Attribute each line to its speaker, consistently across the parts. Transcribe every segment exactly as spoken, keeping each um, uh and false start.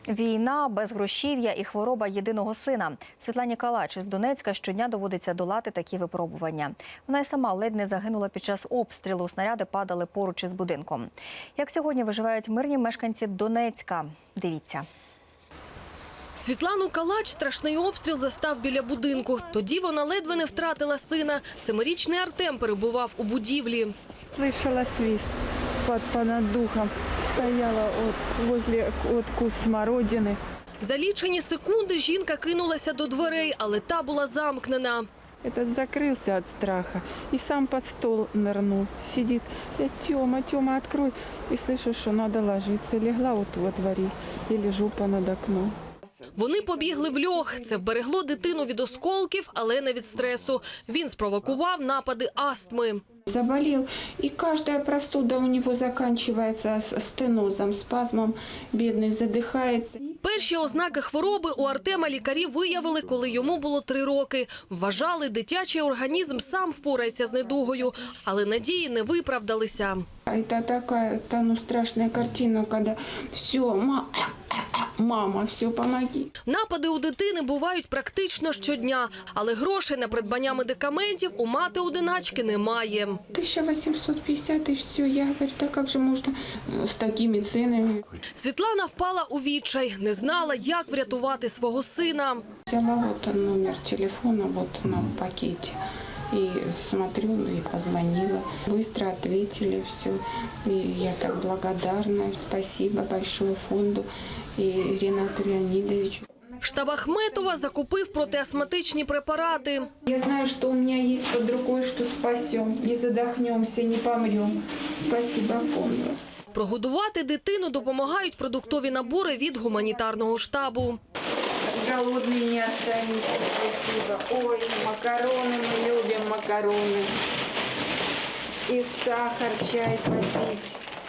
Speaker 1: Війна, безгрошів'я і хвороба єдиного сина. Світлані Калач із Донецька щодня доводиться долати такі випробування. Вона й сама ледь не загинула під час обстрілу. Снаряди падали поруч із будинком. Як сьогодні виживають мирні мешканці Донецька? Дивіться.
Speaker 2: Світлану Калач страшний обстріл застав біля будинку. Тоді вона ледве не втратила сина. Семирічний Артем перебував у будівлі.
Speaker 3: Слышала свист под, под духом. Стояла от, возле от куст смородины.
Speaker 2: За лічені секунди жінка кинулася до дверей, але та була замкнена.
Speaker 3: Этот закрылся от страха и сам под стол нырнул. Сидит, я, Тёма, Тёма, открой. И слышу, что надо ложиться. Легла вот во дворе и лежу понад окном.
Speaker 2: Вони побігли в льох. Це вберегло дитину від осколків, але не від стресу. Він спровокував напади астми.
Speaker 4: Заболел, и каждая простуда у него заканчивается стенозом, спазмом, бедный задыхается.
Speaker 2: Перші ознаки хвороби у Артема лікарі виявили, коли йому було три роки. Вважали, дитячий організм сам впорається з недугою, але надії не виправдалися.
Speaker 4: Это такая, та, ну, страшная картина, когда все, ма, мама, все, помоги.
Speaker 2: Напади у дитини бувають практично щодня, але грошей на придбання медикаментів у мати-одиначки немає.
Speaker 4: тысяча восемьсот пятьдесят и все. Я говорю, да как же можно с такими ценами?
Speaker 2: Світлана впала у відчай, не знала, як врятувати свого сина.
Speaker 4: Взяла вот номер телефона вот на пакете. И смотрю, ну и позвонила. Быстро ответили все. И я так благодарна. Спасибо большое фонду и Ренату Леонидовичу.
Speaker 2: Штаб Ахметова закупив протиастматичні препарати.
Speaker 4: Я знаю, что у меня есть под рукой, что спасем. Не задохнемся, не помрем. Спасибо фонду.
Speaker 2: Прогодувати дитину допомагають продуктові набори від гуманітарного штабу.
Speaker 4: Голодные не останемся, спасибо. Ой, макароны, мы любим макароны. И сахар, чай попить.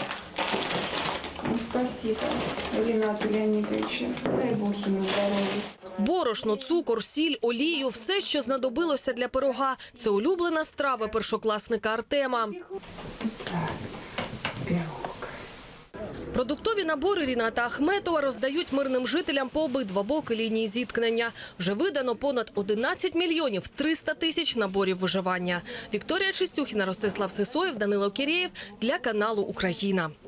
Speaker 4: Ну, спасибо Ренату Леонидовичу. Дай Бог ему здоровья.
Speaker 2: Борошно, цукор, сіль, олію – все, що знадобилося для пирога. Це улюблена страва першокласника Артема.
Speaker 4: Так, пирог.
Speaker 2: Продуктові набори Ріната Ахметова роздають мирним жителям по обидва боки лінії зіткнення. Вже видано понад одинадцять мільйонів триста тисяч наборів виживання. Вікторія Чистюхіна, Ростислав Сисоєв, Данило Кірєєв для каналу «Україна».